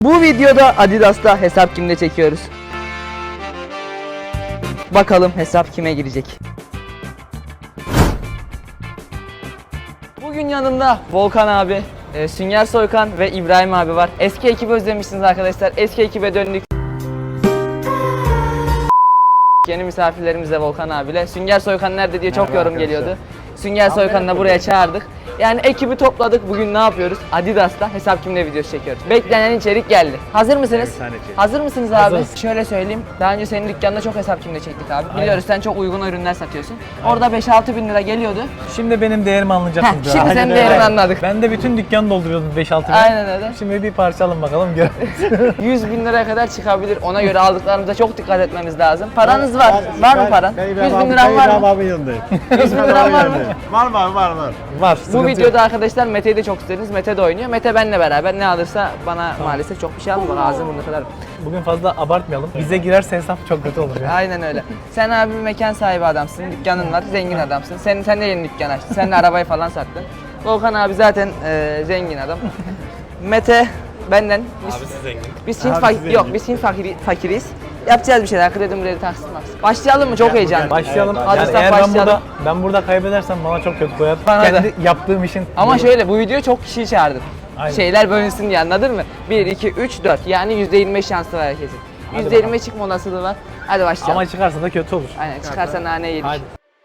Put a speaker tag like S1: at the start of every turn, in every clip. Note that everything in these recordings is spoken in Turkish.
S1: Bu videoda Adidas'ta hesap kimde çekiyoruz. Bakalım hesap kime girecek. Bugün yanımda Volkan abi, Sünger Soykan ve İbrahim abi var. Eski ekibi özlemişsiniz arkadaşlar. Eski ekibe döndük. Yeni misafirlerimizle Volkan abiyle. Sünger Soykan nerede diye çok yorum geliyordu. Sünger Soykan'ı da buraya çağırdık. Yani ekibi topladık. Bugün ne yapıyoruz? Adidas'ta hesap kimle videosu çekiyoruz. Beklenen içerik geldi. Hazır mısınız? Hazır mısınız abi?
S2: Hazırız.
S1: Şöyle söyleyeyim. Daha önce senin dükkanında çok hesap kimle çektik abi. Biliyoruz sen çok uygun ürünler satıyorsun. Orada 5-6 bin lira geliyordu.
S2: Şimdi benim değerimi anlayacaksınız.
S1: Heh, şimdi senin değerini anladık.
S2: Ben de bütün dükkanı dolduruyordum 5-6 bin.
S1: Aynen öyle.
S2: Şimdi bir parça alın bakalım gör.
S1: 100 bin liraya kadar çıkabilir. Ona göre aldıklarımıza çok dikkat etmemiz lazım. Paranız var. Var mı paran? 100 bin liran var mı?
S3: Abi yanındayım.
S1: 100 bin liran var mı?
S3: Var.
S2: Var.
S1: Bu videoda arkadaşlar Mete'yi de çok istediniz. Mete de oynuyor. Mete benle beraber ne alırsa bana maalesef çok bir şey almıyor. Ağzım burnuna kadar.
S2: Bugün fazla abartmayalım. Bize girerse hesap çok kötü olur ya.
S1: Aynen öyle. Sen abi bir mekan sahibi adamsın. Dükkanın var. Zengin adamsın. Sen de yeni dükkan açtın. Sen de arabayı falan sattın. Volkan abi zaten zengin adam. Mete benden. Biz Hint fakiriyiz. Yapacağız bir şeyler. Kredi taksit maksit. Başlayalım mı? Çok heyecanlı.
S2: Başlayalım.
S1: Hadi
S2: Yani
S1: sen
S2: eğer
S1: başlayalım.
S2: ben burada kaybedersem bana çok kötü koyar.
S1: Bana
S2: Kendi yaptığım işin.
S1: Ama şöyle bu videoyu çok kişiyi çağırdım.
S2: Aynen.
S1: Şeyler bölünsün diye, anladın mı? 1, 2, 3, 4 yani %25 şansı var herkesin. %25 çıkma olasılığı var. Hadi başlayalım.
S2: Ama çıkarsa da kötü olur.
S1: Aynen çıkarsa nane yedik.
S2: Hadi.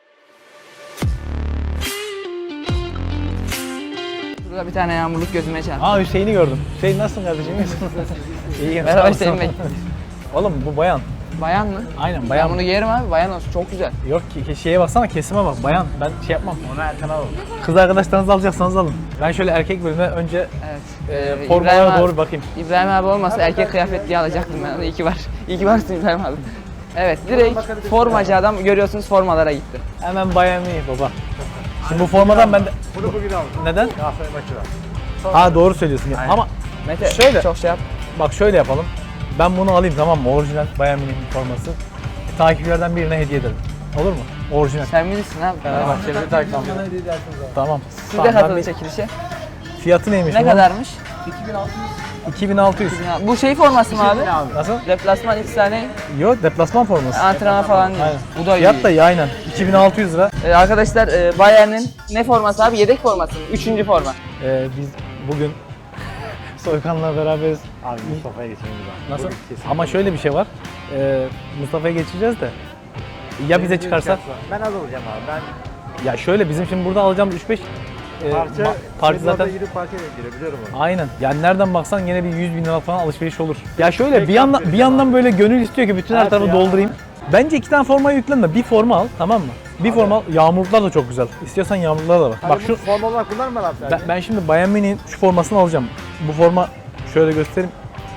S1: Burada bir tane yağmurluk gözüme çarptı.
S2: Aa Hüseyin'i gördüm. Hüseyin nasılsın kardeşim? İyiyim.
S1: Merhaba
S2: sağ ol,
S1: Hüseyin
S2: sağ ol.
S1: Bey.
S2: Oğlum bu bayan.
S1: Bayan mı?
S2: Aynen
S1: Ben
S2: bayan.
S1: bunu giyerim abi, bayan olsun çok güzel.
S2: Yok ki şeye baksana kesime bak bayan. Ben şey yapmam.
S3: Onu Erkan alalım.
S2: Kız arkadaşlarınızı alacaksanız alın. Ben şöyle erkek bölümüne önce
S1: Evet.
S2: formalara doğru bakayım.
S1: İbrahim abi olmasa erkek kıyafet diye alacaktım ben onu. İyi ki var. İyi ki varsın İbrahim abi. Evet direkt formacı adam, görüyorsunuz formalara gitti.
S2: Hemen bayan iyi baba. Şimdi bu formadan ben de...
S3: Bunu bugün aldım.
S2: Neden?
S3: Galatasaray maçı var.
S2: Ha doğru söylüyorsun.
S3: Aynen.
S2: Ama
S1: Mete
S2: Şöyle.
S1: çok şey yap.
S2: bak şöyle yapalım. Ben bunu alayım tamam mı? Orijinal Bayern Münih forması. Takipçilerden birine hediye ederim. Olur mu? Orijinal.
S1: Sen bilirsin abi.
S2: Fenerbahçe'de takipçiler. Tamam.
S1: Siz de
S2: Tamam, ben
S1: katılın
S2: bir-
S1: çekilişe.
S2: Fiyatı neymiş?
S1: Ne
S2: bunun?
S1: kadarmış?
S2: 2600.
S1: Ya, bu şey forması mı abi?
S2: Nasıl?
S1: Deplasman 2 tane
S2: Yok deplasman forması.
S1: antrenman falan değil.
S2: Aynen.
S1: Bu da iyi.
S2: Fiyat da iyi aynen. 2600 lira.
S1: Arkadaşlar Bayern'in ne forması abi? Yedek forması mı? 3. forma.
S2: Biz bugün Soykan'la beraberiz.
S3: Abi Mustafa'ya geçelim biz abi.
S2: Nasıl?
S3: Bugün kesin.
S2: Ama şöyle bir şey var. Mustafa'ya geçeceğiz de. Ya bize çıkarsa?
S3: Ben az alacağım abi. Ben
S2: Ya şöyle bizim şimdi burada alacağımız 3-5 parça zaten
S3: gidip parça girebiliyorum onu.
S2: aynen. Yani nereden baksan yine bir 100 bin lira falan alışveriş olur. Ya şöyle bir yandan böyle gönül istiyor ki bütün her
S3: Evet
S2: tarafı
S3: ya.
S2: doldurayım. Bence 2 tane formayı yüklenme. Bir forma al tamam mı? Bir forma al. Yağmurluklar da çok güzel. İstiyorsan yağmurluklar da var. Bak şu
S3: forma olarak bunlar mı abi?
S2: ben şimdi Bayern Münih'in şu formasını alacağım. Bu forma şöyle göstereyim.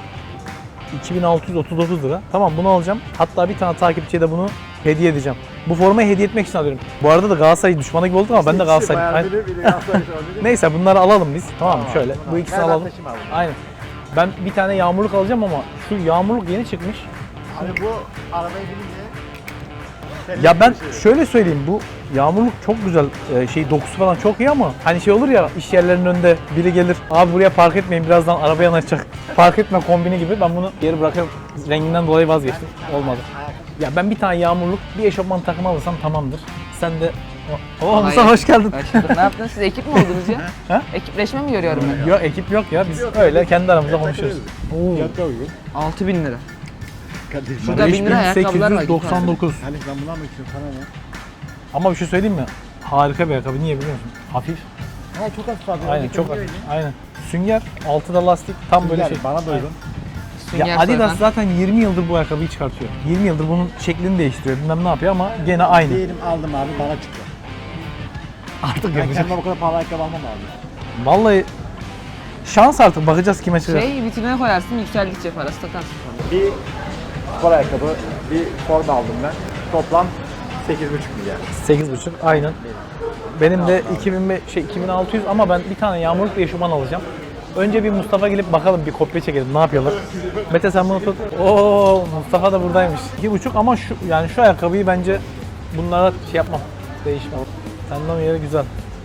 S2: 2639 lira. Tamam bunu alacağım. Hatta bir tane takipçiye de bunu hediye edeceğim. Bu formayı hediye etmek için alıyorum. Bu arada da Galatasaray düşmanı gibi olduk ama ben de Galatasaray'ım. Aynen. Neyse bunları alalım biz. Tamam mı? Şöyle bu ikisini alalım. Aynen. Ben bir tane yağmurluk alacağım ama şu yağmurluk yeni çıkmış.
S3: Abi bu arabaya binince
S2: Ya ben şöyle söyleyeyim bu yağmurluk çok güzel dokusu falan çok iyi ama hani şey olur ya iş yerlerinin önünde biri gelir abi buraya park etmeyin birazdan araba yanaşacak park etme kombini gibi ben bunu geri bırakıyorum renginden dolayı vazgeçtim olmadı. Ya ben bir tane yağmurluk bir eşofman takımı alırsam tamamdır sen de Mustafa hoş geldin.
S1: Ne yaptınız? Siz ekip mi oldunuz ya?
S2: Ha?
S1: Ekipleşme mi görüyorum ben?
S2: Yok ekip yok ya biz öyle kendi aramızda konuşuyoruz.
S3: fiyatla uygun.
S1: 6.000 lira.
S3: Kardeşim
S1: Şurada 1000 lira ayakkabılar var.
S2: 5899.
S3: hani ben bundan mı istiyorum sana ne?
S2: Ama bir şey söyleyeyim mi? Harika bir ayakkabı niye biliyor musun? Hafif.
S3: Ha çok hafif abi.
S2: Aynen çok hafif. Aynen. Sünger, altıda lastik tam böyle şey.
S3: Bana da uygun.
S1: Sünger
S2: Ya Adidas
S1: Soykan.
S2: zaten 20 yıldır bu ayakkabıyı çıkartıyor. 20 yıldır bunun şeklini değiştiriyor. Bilmem ne yapıyor ama gene aynı.
S3: Diyelim aldım abi bana çıktı.
S2: Artık
S3: Ben
S2: yapacak.
S3: kendime bu kadar pahalı ayakkabı almam abi.
S2: Vallahi şans artık bakacağız kime çıkacak.
S1: Şey vitrine koyarsın, yükseldikçe parası satarsın.
S3: Bir spor ayakkabı, bir forma aldım ben. Toplam 8,5 milyar.
S2: 8,5 aynen. Benim de 2600 ama ben bir tane yağmurluk bir eşofman alacağım. Önce bir Mustafa gelip bakalım bir kopya çekelim ne yapıyorlar. Mete sen bunu tut. Oo Mustafa da buradaymış. 2,5 ama şu yani şu ayakkabıyı bence bunlara şey yapmam. Değişmem. Senden yeri güzel.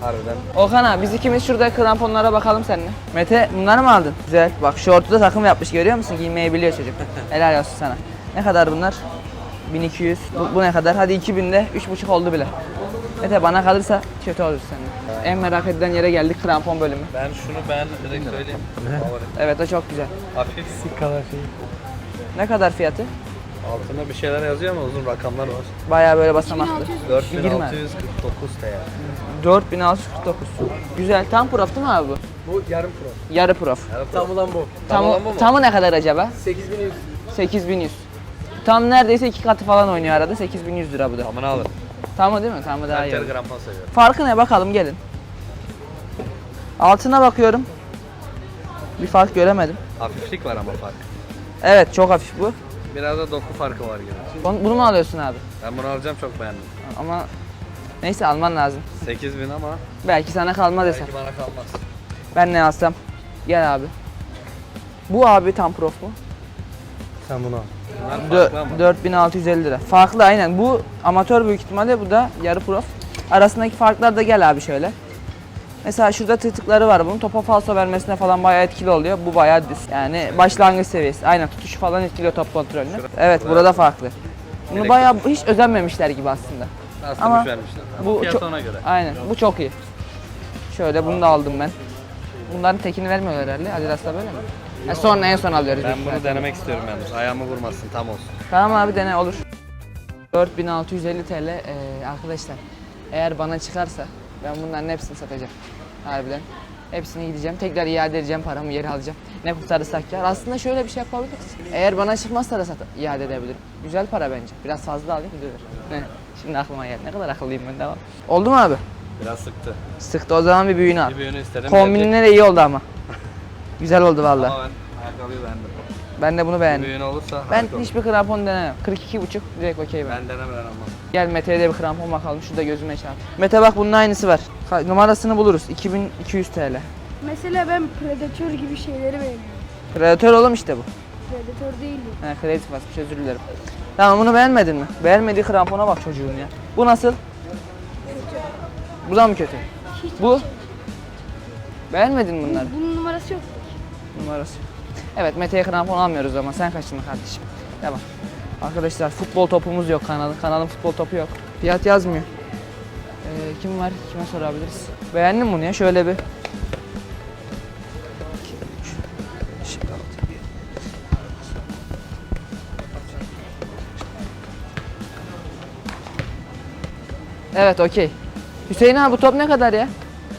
S4: Harbiden.
S1: Okan abi biz ikimiz şurada kramponlara bakalım seninle. Mete bunları mı aldın? Güzel. Bak şortu da takım yapmış görüyor musun? Giymeyi biliyor çocuk. Helal olsun sana. Ne kadar bunlar? 1200. Bu ne kadar? Hadi 2000'de 3,5 oldu bile. Mete bana kalırsa kötü olur seninle. En merak edilen yere geldik, krampon bölümü.
S4: Ben şunu beğendim direkt söyleyeyim. Favori.
S1: Evet o çok güzel.
S4: Hafif.
S2: Sik kadar şey.
S1: Ne kadar fiyatı?
S4: Altında bir şeyler yazıyor ama uzun rakamlar var.
S1: Bayağı böyle basamaklı.
S4: 4649 TL.
S1: 4649. Güzel. Tam prof değil mi abi bu?
S4: Bu yarım pro.
S1: Yarı prof.
S4: Tam ulan bu.
S1: Tamı ne kadar acaba? 8100. 8100. Tam neredeyse 2 katı falan oynuyor arada. 8100 lira bu da.
S4: Tamını alırım.
S1: Tamı değil mi? Tamı daha
S4: Ben
S1: iyi.
S4: yarı krampon seviyorum.
S1: Farkı ne bakalım gelin. Altına bakıyorum. Bir fark göremedim.
S4: Hafiflik var ama fark.
S1: Evet çok hafif bu.
S4: Biraz da doku farkı var gibi.
S1: Bunu mu alıyorsun abi?
S4: Ben bunu alacağım, çok beğendim.
S1: Ama neyse alman lazım.
S4: 8000 ama
S1: Belki sana kalmaz hesap.
S4: belki bana kalmaz.
S1: Ben ne alsam? Gel abi. Bu abi tam prof mu?
S4: Sen bunu al. Bunlar farklı ama.
S1: 4650 lira. Farklı aynen. Bu amatör büyük ihtimalle, bu da yarı prof. Arasındaki farklar da gel abi şöyle. Mesela şurada tırtıkları var bunun. Topa falso vermesine falan bayağı etkili oluyor. Bu bayağı düz. Yani başlangıç seviyesi. Aynen tutuşu falan etkiliyor top kontrolünü. Evet burada farklı. Bunu
S4: Direkt
S1: bayağı hiç özenmemişler gibi aslında.
S4: Aslında
S1: Ama
S4: güç vermişler.
S1: bu
S4: Fiyatı
S1: çok-
S4: ona göre.
S1: Aynen. Bu çok iyi. Şöyle bunu da aldım ben. Bunların tekini vermiyorlar herhalde. Adidas'ta böyle mi? Sonra en son alıyoruz.
S4: Ben
S1: büyük
S4: bunu
S1: ihtimalle.
S4: denemek istiyorum yalnız. Ayağımı vurmasın, tam olsun.
S1: Tamam abi dene olur. 4650 TL arkadaşlar. Eğer bana çıkarsa ben bunların hepsini satacağım. Harbiden. Hepsini gideceğim. Tekrar iade edeceğim, paramı geri alacağım. Ne kurtarırsak kâr. Aslında şöyle bir şey yapabiliriz. Eğer bana çıkmazsa da iade edebilirim. Güzel para bence. Biraz fazla alayım düzelir. Şimdi aklıma geldi. Ne kadar akıllıyım ben, devam. Oldu mu abi?
S4: Biraz sıktı.
S1: Sıktı, o zaman bir büyüğünü al.
S4: Bir büyüğünü istedim.
S1: Kombinine de iyi oldu ama. Güzel oldu valla.
S4: Ama ben ayakkabıyı beğendim.
S1: Ben de bunu
S4: Bir
S1: beğendim.
S4: büyüğün olursa
S1: Ben
S4: harika olur.
S1: hiçbir krampon denemem. 42,5 direkt okey ben.
S4: Ben denemeden almam.
S1: Gel Mete'ye de bir krampon bakalım. Şurada gözüme çarp. Mete bak bunun aynısı var. Numarasını buluruz. 2200 TL.
S5: Mesela ben Predator gibi şeyleri beğeniyorum.
S1: Predator oğlum işte bu.
S5: Predator değil mi?
S1: He kredi basmış, özür dilerim. Tamam bunu beğenmedin mi? Beğenmediği krampona bak çocuğun ya. Bu nasıl? Bu da mı kötü? Bu? Beğenmedin mi bunları?
S5: Bunun numarası yok.
S1: Numarası. Evet Mete'ye krampon almıyoruz ama sen kaçtın kardeşim. Devam. Arkadaşlar futbol topumuz yok kanalın. Kanalın futbol topu yok. Fiyat yazmıyor. Kim var? Kime sorabiliriz? Beğendin mi bunu ya? Şöyle bir. Evet okey. Hüseyin abi bu top ne kadar ya?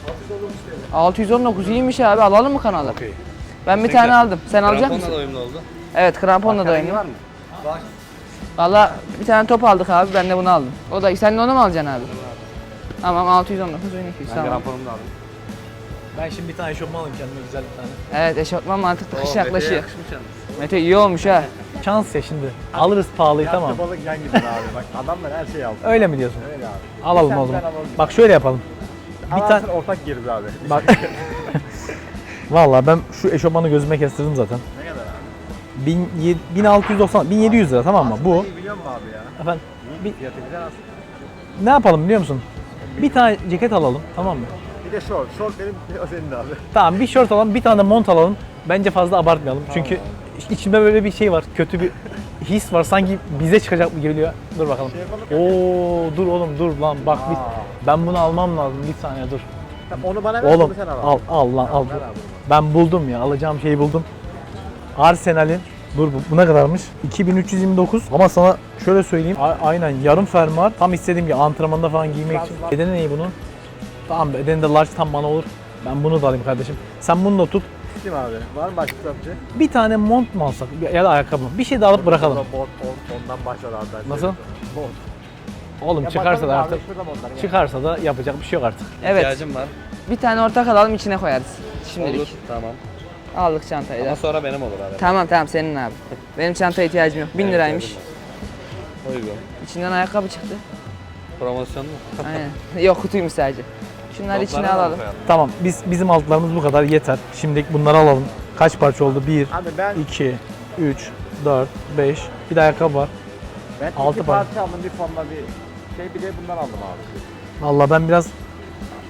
S1: 619 iyiymiş abi. Alalım mı kanalı?
S4: Okey.
S1: Ben bir tane aldım. Sen alacak
S4: Kramponla
S1: mısın?
S4: da uyumlu oldu.
S1: Evet kramponla da
S4: Rengi
S1: oynuyor.
S4: var mı? Var.
S1: Valla bir tane top aldık abi, ben de bunu aldım. O da sen de onu mu alacaksın abi? Tamam 619 1200
S4: Ben
S1: tamam.
S4: kramponumu da aldım.
S2: Ben şimdi bir tane eşofman alayım kendime güzel bir tane.
S1: Evet eşofman mantıklı, kış
S4: Oo, Mete'ye
S1: yaklaşıyor.
S4: yakışmış yalnız.
S1: Mete iyi olmuş ha.
S2: Şans ya şimdi. Alırız pahalıyı tamam.
S3: Yattı balık yan gider abi. Bak adamlar her şeyi aldı.
S2: Öyle mi diyorsun?
S3: Öyle abi.
S2: Alalım
S3: Sen
S2: o zaman.
S3: ben alalım.
S2: Bak şöyle yapalım. Bir tane
S3: Alansın ortak girdi abi.
S2: bak. Vallahi ben şu eşofmanı gözüme kestirdim zaten.
S3: Ne kadar abi?
S2: 1690 1700 lira tamam mı? Bu.
S3: İyi biliyor musun abi ya?
S2: Efendim bir,
S3: Fiyatı güzel aslında.
S2: ne yapalım biliyor musun? Bir tane ceket alalım tamam mı?
S3: Bir de short. Short benim, o senin de abi.
S2: Tamam bir şort alalım, bir tane de mont alalım. Bence fazla abartmayalım. Çünkü içimde böyle bir şey var. Kötü bir his var. Sanki bize çıkacak mı geliyor. Dur bakalım. Oo dur oğlum dur lan bak bir, ben bunu almam lazım. Bir saniye dur.
S3: Tamam, onu bana ver,
S2: Oğlum
S3: onu sen al.
S2: al lan al.
S3: Ver abi.
S2: Ben buldum ya. Alacağım şeyi buldum. Arsenal'in dur bu ne kadarmış? 2329 ama sana şöyle söyleyeyim. Aynen yarım fermuar. Tam istediğim gibi antrenmanda falan giymek için. Bedeni neyi bunun? Tamam bedeni de large tam bana olur. Ben bunu da alayım kardeşim. Sen bunu da tut.
S3: Kim abi? Var mı başka kitapçı?
S2: Bir tane mont mu alsak ya da ayakkabı mı? Bir şey de alıp bırakalım.
S3: Ondan başlar abi. Ben
S2: Nasıl?
S3: Bot.
S2: Oğlum
S3: Ya
S2: çıkarsa
S3: bakalım
S2: da
S3: abi,
S2: artık
S3: şurada montlar ya.
S2: çıkarsa da yapacak bir şey yok artık.
S1: Evet
S4: İhtiyacım var.
S1: bir tane ortak alalım, içine koyarız. Şimdilik.
S4: Olur. Tamam.
S1: Aldık çantayı da.
S4: Ama sonra benim olur abi.
S1: Tamam tamam senin abi. Benim çantaya ihtiyacım yok. 1000 liraymış.
S4: Uygun.
S1: İçinden ayakkabı çıktı.
S4: Promosyon mu?
S1: Aynen. Yok kutuymuş sadece. Şunları içine
S4: Notlara mı
S1: alalım.
S4: koyalım?
S2: Tamam bizim altlarımız bu kadar yeter. Şimdi bunları alalım. Kaç parça oldu? 1,
S3: Abi ben
S2: 2, 3, 4, 5. Bir de ayakkabı var.
S3: altı
S2: altı
S3: parça aldım, bir fonla bir şey, bir de bundan aldım abi.
S2: Vallahi ben biraz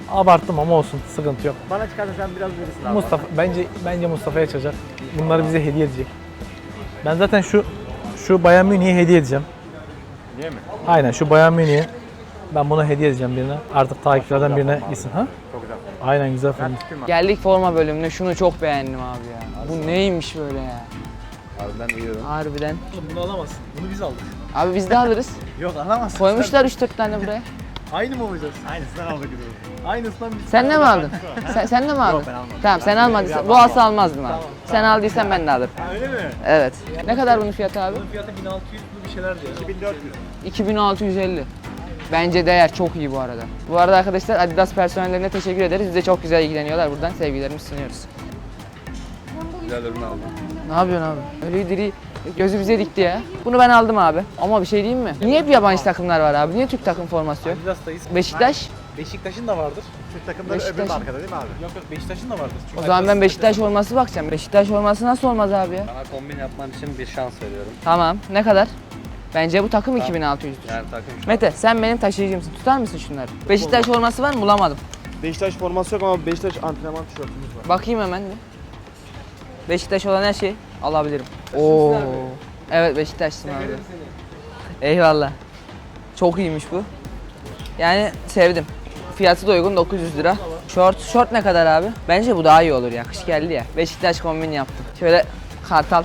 S2: Abarttım ama olsun, sıkıntı yok.
S3: Bana çıkarsa sen biraz verirsin abi.
S2: Mustafa bence Mustafa'ya çalacak. Bunları bize hediye edecek. Ben zaten şu Bayern Münih'e hediye edeceğim.
S3: Niye mi?
S2: Aynen şu Bayern Münih'e ben bunu hediye edeceğim birine. Artık takipçilerden birine gitsin ha.
S3: Çok güzel.
S2: Aynen güzel film.
S3: Ben çıkayım abi.
S1: Geldik forma bölümüne. Şunu çok beğendim abi ya. Bu neymiş böyle ya?
S4: Abi ben uyuyorum.
S1: Harbiden.
S2: Bunu alamazsın. Bunu biz aldık.
S1: Abi biz de alırız.
S2: Yok alamazsın.
S1: Koymuşlar 3-4 tane buraya.
S2: Aynı mı olacağız?
S3: Aynısından aldık gidiyoruz.
S2: Aynısından biz.
S1: Sen ne mi aldın? Sen de mi aldın?
S3: ben almadım.
S1: Tamam sen almadıysan. Bu alsa almazdım abi. Sen aldıysan ben de alırım.
S2: Öyle mi?
S1: Evet. Ne kadar bunun fiyatı abi?
S2: Bunun fiyatı 1600 bir şeyler diyor.
S3: 2400.
S1: 2650. Bence değer, çok iyi bu arada. Bu arada arkadaşlar Adidas personellerine teşekkür ederiz. Bize çok güzel ilgileniyorlar. Buradan sevgilerimizi sunuyoruz.
S4: Güzel ürün aldım.
S1: Ne yapıyorsun abi? Öyle diri gözü bize dikti ya. Bunu ben aldım abi. Ama bir şey diyeyim mi? Niye hep yabancı takımlar var abi? Niye Türk takım forması yok?
S2: Adidas'tayız.
S1: Beşiktaş?
S2: Beşiktaş'ın da vardır.
S3: Türk takımları öbür
S1: Beşiktaş.
S3: markada değil mi abi?
S2: Yok Beşiktaş'ın da vardır.
S1: O zaman ben Beşiktaş forması bakacağım. Beşiktaş forması nasıl olmaz abi ya?
S4: Sana kombin yapman için bir şans veriyorum.
S1: Tamam. Ne kadar? Bence bu takım 2600'dür.
S4: Yani takım şu.
S1: Mete sen benim taşıyıcımsın. Tutar mısın şunları? Beşiktaş forması var mı? Bulamadım.
S6: Beşiktaş forması yok ama Beşiktaş antrenman tişörtümüz var.
S1: Bakayım hemen bir. Beşiktaş olan her şeyi alabilirim. Oo. Evet Beşiktaş'sın abi. Eyvallah. Çok iyiymiş bu. Yani sevdim. Fiyatı da uygun, 900 lira. Şort ne kadar abi? Bence bu daha iyi olur ya. Kış geldi ya. Beşiktaş kombin yaptım. Şöyle kartal.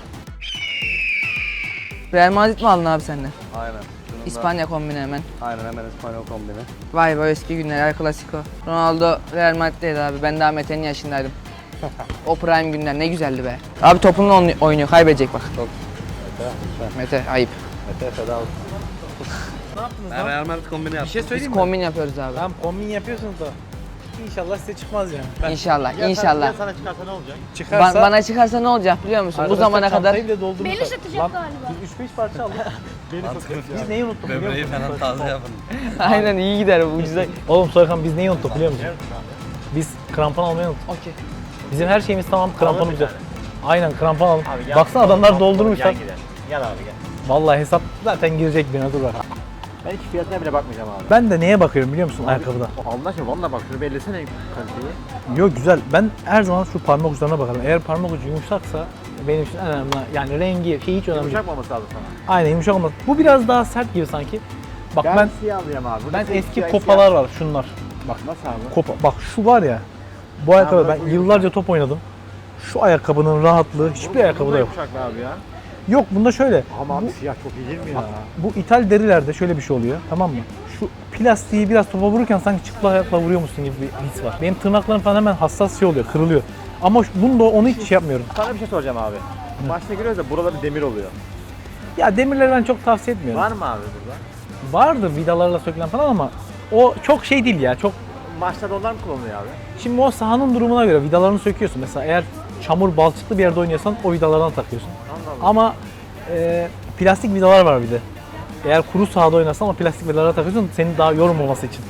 S1: Real Madrid mi aldın abi senden?
S4: Aynen. Şunun da-
S1: İspanya kombini hemen.
S4: Aynen hemen İspanyol kombini.
S1: Vay be eski günler, El Clasico. Ronaldo Real Madrid'deydi abi. Ben daha Mete'nin yaşındaydım. O prime günler ne güzeldi be. Abi topunla oynuyor, kaybedecek bak.
S4: Çok.
S1: Mete ayıp.
S4: Mete feda olsun.
S2: Ne yaptınız
S4: Ben
S2: lan?
S4: Real Madrid kombini
S2: Bir
S4: yaptım.
S2: şey
S1: Biz
S2: söyleyeyim mi?
S1: kombin yapıyoruz abi.
S2: Tamam kombin yapıyorsunuz da İnşallah size çıkmaz yani.
S1: İnşallah,
S3: Ya
S1: inşallah.
S3: sana çıkarsa ne olacak?
S2: Çıkarsa
S1: Bana çıkarsa ne olacak biliyor musun? Bu
S2: arkadaşlar
S1: zamana kadar
S2: çantayı bile doldurmuşlar.
S5: Beni satacak
S2: Lan,
S5: galiba.
S2: Biz 3-5 parça aldık.
S4: Mantıklı.
S2: Biz neyi unuttuk biliyor
S4: Böbreği
S2: musun?
S4: falan taze yapın.
S1: aynen iyi gider bu ucuza.
S2: Oğlum Soykan biz neyi unuttuk biliyor musun? Biz krampon almayı unuttuk.
S1: Okey.
S2: Bizim her şeyimiz tamam, kramponumuz yok. Aynen krampon alalım.
S3: Abi gel.
S2: Baksana adamlar doldurmuşlar.
S3: Gel gidelim. Gel abi gel.
S2: Vallahi hesap zaten girecek birine, dur bak.
S3: Ben hiç fiyatına bile bakmayacağım abi.
S2: Ben de neye bakıyorum biliyor musun ayakkabıda?
S3: Allah aşkına valla bak şunu bellesene kaliteyi.
S2: Yok güzel. Ben her zaman şu parmak uçlarına bakarım. Eğer parmak ucu yumuşaksa benim için en önemli. Yani rengi, şey hiç önemli değil.
S3: Yumuşak mı olması lazım sana?
S2: Aynen yumuşak olmaz. Bu biraz daha sert gibi sanki. Bak ben
S3: siyah alıyorum abi. Burada
S2: ben
S3: siyah,
S2: eski
S3: siyah,
S2: kopalar var şunlar. Bak
S3: siyah. Nasıl abi?
S2: kopa. Bak şu var ya. Bu ayakkabı
S3: bırak
S2: ben
S3: bu
S2: yıllarca top oynadım. Şu ayakkabının rahatlığı hiçbir ayakkabıda yok.
S3: Yumuşak be abi ya.
S2: Yok bunda şöyle.
S3: Ama abi
S2: Bu-
S3: siyah çok iyi değil mi ya?
S2: Bak, bu ithal derilerde şöyle bir şey oluyor, tamam mı? Şu plastiği biraz topa vururken sanki çıplak ayakla vuruyormuşsun gibi bir his var. Benim tırnaklarım falan hemen hassas şey oluyor, kırılıyor. Ama bunda onu hiç şey yapmıyorum.
S3: Sana bir şey soracağım abi. Maçta giriyoruz da buraları demir oluyor.
S2: Ya demirleri ben çok tavsiye etmiyorum.
S3: Var mı abi burada?
S2: Vardır vidalarla sökülen falan ama o çok şey değil ya, çok...
S3: Maçta da onlar mı kullanılıyor abi?
S2: Şimdi o sahanın durumuna göre vidalarını söküyorsun. Mesela eğer çamur, balçıklı bir yerde oynuyorsan o vidalardan takıyorsun.
S3: Allah Allah.
S2: Ama plastik vidalar var bir de. Eğer kuru sahada oynarsan o plastik vidalara takıyorsun seni daha yormaması için.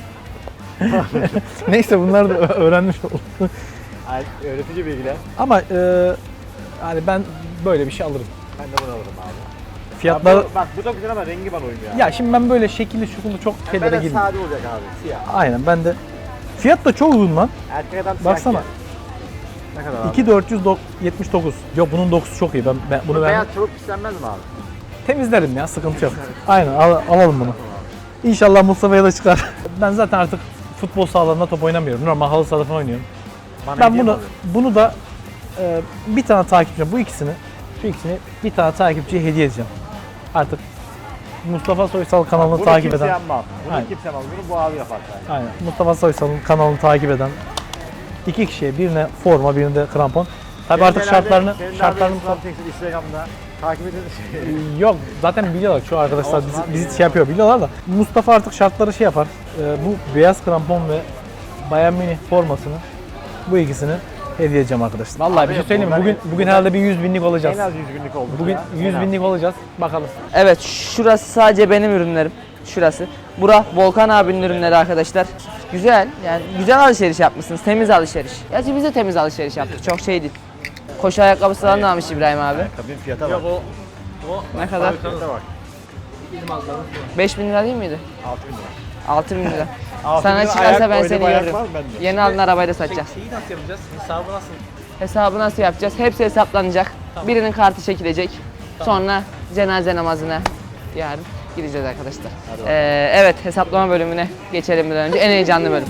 S2: Neyse bunları da öğrenmiş oldum.
S3: Ay, öğretici bilgiler.
S2: Ama yani ben böyle bir şey alırım.
S3: Ben de bunu alırım abi.
S2: Fiyatlar...
S3: Ya bak bu da güzel ama rengi bana uymuyor.
S2: Ya şimdi ben böyle şekilli şukulu çok
S3: ben
S2: şeylere
S3: de
S2: girmiyorum.
S3: sade olacak abi. Siyah.
S2: Aynen ben de. Fiyat da çok uygun lan.
S3: Erkek adam siyah.
S2: Baksana.
S3: giyer. Ne kadar abi?
S2: 2479. Yok bunun dokusu çok iyi. Ben bunu
S3: Bu
S2: ben
S3: beyaz çabuk pislenmez mi abi?
S2: temizlerim ya, sıkıntı yok. Aynen alalım bunu. İnşallah Mustafa'ya da çıkar. Ben zaten artık futbol sahalarında top oynamıyorum. Normal halı sahada falan oynuyorum.
S3: Bana
S2: Ben
S3: hediye mi
S2: bunu da bir tane takipçi, şu ikisini bir tane takipçiye hediye edeceğim. Artık Mustafa Soysal kanalını
S3: Bunu
S2: takip
S3: kimse
S2: eden,
S3: yapmaz. Bunu
S2: Aynen.
S3: kimse yapmaz. Bunu bu abi yapar sadece.
S2: aynen Mustafa Soysal'ın kanalını takip eden iki kişiye, birine forma, birine de krampon. Tabii artık şartlarını
S3: Instagram'da takip edin.
S2: yok zaten biliyorlar şu arkadaşlar
S3: Olsun abi,
S2: bizi şey yapıyor biliyorlar da Mustafa artık şartları şey yapar. Bu beyaz krampon ve Bayern Münih formasını bu ikisini hediye edeceğim arkadaşlar. Vallahi
S3: Abi
S2: bir şey söyleyeyim mi?
S3: bunlar-
S2: Bugün herhalde bir 100 binlik olacağız.
S3: En az 100 günlük oldu.
S2: Bugün
S3: ya.
S2: 100
S3: En az.
S2: binlik olacağız. Bakalım.
S1: Evet şurası sadece benim ürünlerim. Şurası. Bura Volkan abinin ürünleri arkadaşlar. Güzel yani güzel alışveriş yapmışsınız. Temiz alışveriş. Gerçi biz de temiz alışveriş yaptık. Çok şey değil. Koşu ayakkabısı falan da almış İbrahim abi.
S3: Ayakkabının fiyata bak.
S1: Ne kadar?
S3: Fiyata bak.
S1: 5000 lira değil miydi?
S3: 6000 lira.
S1: 6.000 lira.
S3: 6.000
S1: Sana
S3: lira
S1: çıkarsa
S3: ayak,
S1: ben
S3: öyle
S1: seni
S3: bir ayak
S1: görürüm.
S3: var mı bende?
S1: Yeni aldığın arabayı da satacağız.
S2: Şeyi nasıl yapacağız? Hesabı nasıl?
S1: Hesabı nasıl yapacağız? Hepsi hesaplanacak. Birinin kartı çekilecek. Sonra cenaze namazına yarın gideceğiz arkadaşlar. Evet, hesaplama bölümüne geçelim bir önce. En heyecanlı bölüm.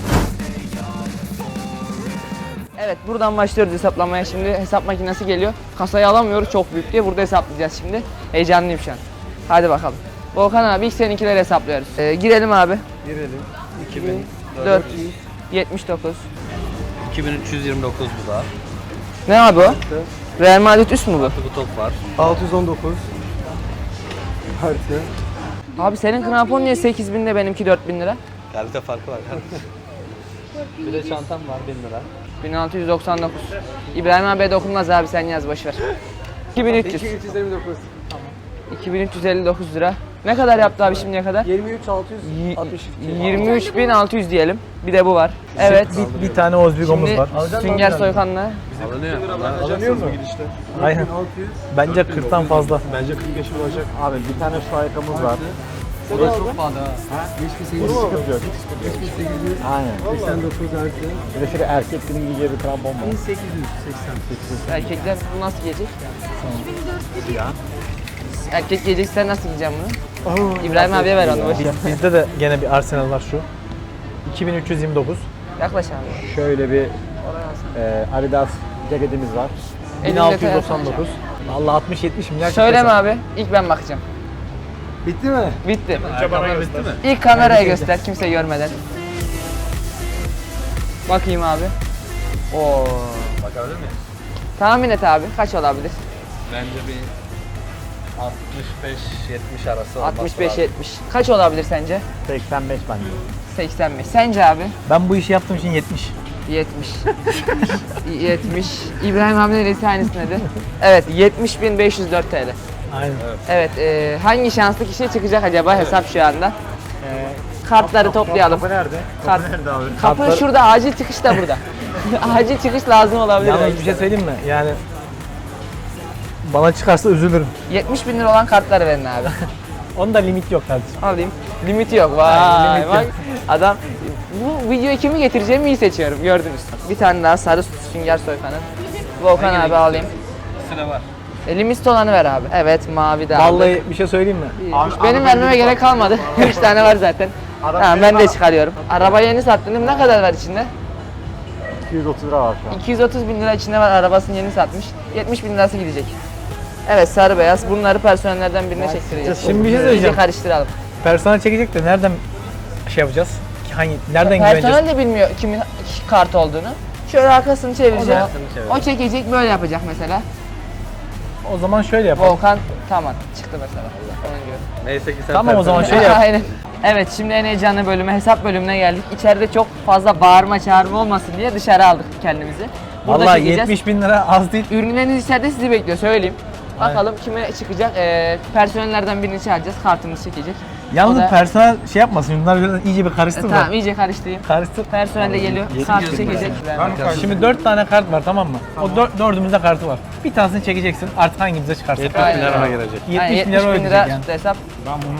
S1: Evet, buradan başlıyoruz hesaplamaya. Şimdi hesap makinesi geliyor. Kasayı alamıyoruz, çok büyük diye. Burada hesaplayacağız şimdi. Heyecanlıyım şu an. Hadi bakalım. Volkan abi ilk seninkileri hesaplıyoruz. Girelim abi.
S4: Girelim.
S1: 479.
S4: 2329 bu da.
S1: Ne abi o? Real Madrid üst mü bu?
S4: Bu top var.
S6: 619. Artı.
S1: Abi senin krampon niye 8.000 de benimki 4.000 lira?
S4: Kalite farkı var kardeşim. Bir de çantam var 1000 lira.
S1: 1699. İbrahim abiye dokunmaz abi, sen yaz boşver. 2300.
S6: 2329.
S1: 2359 lira. Ne kadar yaptı abi şimdiye kadar? 23.600 diyelim. Bir de bu var. Evet.
S2: Bir tane Ozbigomuz
S1: Şimdi
S2: var.
S1: Sünger Soykan'la
S4: Alınıyor.
S3: Alınıyor mu?
S2: Aynen. Bence 40'tan fazla.
S6: Bence 40 yaşım olacak.
S3: Abi bir tane şu ayakkabımız var.
S4: Bu da çok pahalı ha.
S3: Hiç sıkıntı yok. Aynen.
S6: 89 artı.
S3: Bir de şöyle erkeklerin giyeceği bir krampon var.
S6: 1888.
S1: erkekler bunu nasıl giyecek? Erkek giyecek, sen nasıl giyeceksin bunu? İbrahim abiye ver onu boş ver.
S2: Bizde de gene bir Arsenal var şu. 2329.
S1: Yaklaş abi.
S3: Şöyle bir Adidas ceketimiz var.
S1: Elinde
S2: 1699. Vallahi 60-70 milyar.
S1: Söyleme abi. İlk ben bakacağım.
S6: Bitti mi?
S1: Bitti.
S4: Ayakkabılar bitti mi?
S1: İlk kameraya göster kimse görmeden. Bakayım abi. Oo.
S4: Bakabilir miyim?
S1: Tahmin et abi. Kaç olabilir?
S4: Bence bir 65-70 arası olması lazım.
S1: 65-70. Kaç olabilir sence?
S3: 85 bence.
S1: 85. Sence abi?
S2: Ben bu işi yaptığım için 70.
S1: 70. 70. İbrahim abi neresi aynısınadı? Evet, 70.504 TL.
S2: Aynen.
S1: Evet, hangi şanslı kişiye çıkacak acaba hesap şu anda? Kartları toplayalım.
S3: Kapı nerede?
S1: Kart-
S3: Kapı nerede abi?
S1: Kapı
S2: Kartları-
S1: şurada, acil çıkış da burada. Acil çıkış lazım olabilir.
S2: Yalnız
S1: belki
S2: bir şey
S1: de.
S2: söyleyeyim mi? Yani bana çıkarsa üzülürüm.
S1: 70.000 lira olan kartları verin abi.
S2: Onda limit yok kardeşim.
S1: Alayım. Limiti yok. Vay bak. Adam bu videoyu kimi getireceğimi iyi seçiyorum. Gördünüz. Bir tane daha sarı Sünger Soykan'ın. Volkan abi alayım.
S4: Üstüne var.
S1: Limit olanı ver abi. Evet, mavi de aldık.
S2: Vallahi bir şey söyleyeyim mi?
S1: Benim vermeme gerek kalmadı. 3 tane var zaten. Tamam, ben de çıkarıyorum. Arabayı yeni sattın. Ne kadar var içinde?
S3: 230 lira var şu an.
S1: 230 bin lira içinde var. Arabasını yeni satmış. 70 bin lirası gidecek. Evet, sarı beyaz. Bunları personellerden birine çektireceğiz.
S2: Şimdi bir şey
S1: İyice
S2: söyleyeceğim.
S1: karıştıralım.
S2: Personel çekecek de nereden şey yapacağız? Nereden güveneceğiz?
S1: Personel de bilmiyor kimin kart olduğunu. Şöyle arkasını çevireceğim.
S4: Arkasını çevir.
S1: O çekecek, böyle yapacak mesela.
S2: O zaman şöyle yapalım.
S1: Volkan tamam çıktı mesela. Onun gibi.
S4: Neyse ki sen
S2: Tamam, o zaman
S4: personel-
S2: şey yap.
S1: Aynen. Evet, şimdi en heyecanlı bölüme, hesap bölümüne geldik. İçeride çok fazla bağırma çağırma olmasın diye dışarı aldık kendimizi. Burada
S2: Vallahi
S1: çekeceğiz.
S2: 70 bin lira az değil.
S1: Ürünleriniz içeride sizi bekliyor, söyleyeyim. Bakalım kime çıkacak. Personellerden birini çağıracağız, kartımız çekecek.
S2: Yalnız
S1: O da-
S2: personel şey yapmasın. Bunlar biraz iyice bir karıştır mı?
S1: Tamam, iyice karıştırayım.
S2: Karıştır.
S1: Personel de geliyor, kartı çekecek.
S2: Şimdi 4 tane kart var, tamam mı? O dördümüzde kartı var. Bir tanesini çekeceksin, artık hangimize çıkarsa.
S4: 70 bin lira ona gelecek.
S2: 70
S1: Yani
S2: bin
S1: 70
S2: lira
S1: bin
S2: ödeyecek
S1: lira
S2: yani.
S1: tuttu hesap.
S3: Ben bunu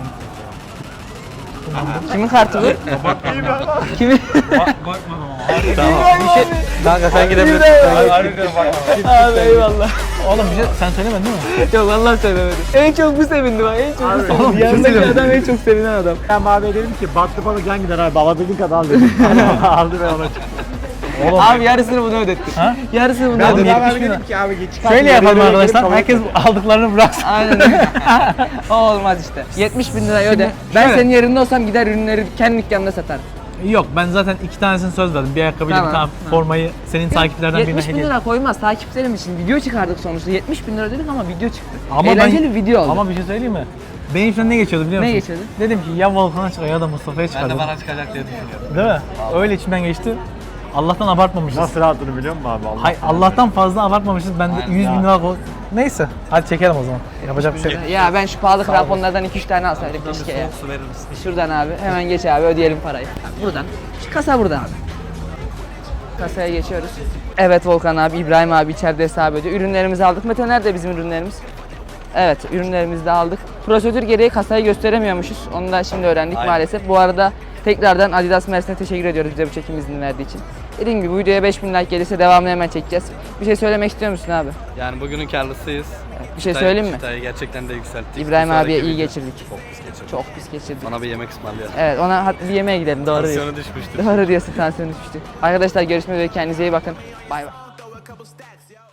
S1: Kimin kartı bu? Kimin?
S4: Tamam. Kanka sen gidebilirsin.
S1: Abi eyvallah.
S2: Oğlum bir şey sen söylemedin değil mi?
S1: Yok, vallahi söylemedim. En çok bu sevindi bak, en çok bu sevindi.
S2: Oğlum, bir şey
S1: Yanındaki
S2: söyleyeyim.
S1: adam en çok sevinen adam.
S3: Ben maviye dedim ki baktı balık yan gider abi. Alabildiğin kadar al dedim. Aldı ve ona çıktı.
S2: Oğlum
S1: Abi yarısını bunu ödetti.
S2: Ha?
S1: Yarısını bunu
S2: Ben
S1: ödetti.
S2: 70 bin lira.
S3: ki abi geç.
S2: Şöyle yapalım arkadaşlar, herkes aldıklarını bıraksın.
S1: Aynen öyle. O olmaz işte. 70 bin lirayı öde. Ben
S2: şöyle.
S1: senin yerinde olsam gider ürünleri kendi dükkanımda satarım.
S2: Yok, ben zaten 2 tanesini söz verdim. Bir ayakkabıyla
S1: Tamam,
S2: bir tane formayı senin takipçilerden birine
S1: 70 bin
S2: hediye.
S1: lira koymaz takipçilerim için. Video çıkardık sonuçta. 70 bin lira dedik ama video çıktı.
S2: Ama
S1: Eğlenceli bir video oldu.
S2: Ama bir şey söyleyeyim mi? Benim içimden ne geçiyordu biliyor
S1: Ne
S2: musun?
S1: geçiyordu?
S2: Dedim ki ya Volkan'a çıkar ya da Mustafa'ya
S4: Ben
S2: çıkar
S4: de
S2: dedim.
S4: bana çıkacak diye düşünüyorum.
S2: Değil mi? Öyle içimden geçti. Allah'tan abartmamışız.
S3: Nasıl rahatladığını biliyor musun abi? Allah.
S2: Hay Allah'tan fazla abartmamışız. Ben de
S4: Aynen.
S2: 100 bin lira Neyse, hadi çekelim o zaman. Yapacak bir şey yok.
S1: Ya ben şu pahalı kramponlardan 2-3 tane alsaydım keşke ya.
S4: Su verir misin?
S1: Şuradan abi hemen geç abi, ödeyelim parayı. Buradan. Şu kasa burada abi. Kasaya geçiyoruz. Evet Volkan abi, İbrahim abi içeride hesap ediyor. Ürünlerimizi aldık. Mete nerede bizim ürünlerimiz? Evet, ürünlerimizi de aldık. Prosedür gereği kasayı gösteremiyormuşuz. Onu da şimdi öğrendik
S4: Aynen.
S1: maalesef. Bu arada tekrardan Adidas Mersin'e teşekkür ediyoruz bize bu çekim izni verdiği için. Dediğim gibi bu videoya 5000 like gelirse devamını hemen çekeceğiz. Bir şey söylemek istiyor musun abi?
S4: Yani bugünün karlısıyız.
S1: Bir şey söyleyeyim mi?
S4: Çıtayı gerçekten de yükselttik.
S1: İbrahim
S4: Bir sonraki
S1: abiye iyi
S4: video-
S1: geçirdik.
S4: Çok pis geçirdik.
S1: Çok pis geçirdik.
S4: Bana bir yemek ısmarlayalım.
S1: Evet, ona bir yemeğe gidelim. Doğru diyorsun.
S4: Tansiyonu düşmüştür.
S1: Doğru diyorsun, tansiyon düşmüştü. Arkadaşlar görüşmek üzere, kendinize iyi bakın. Bay bay.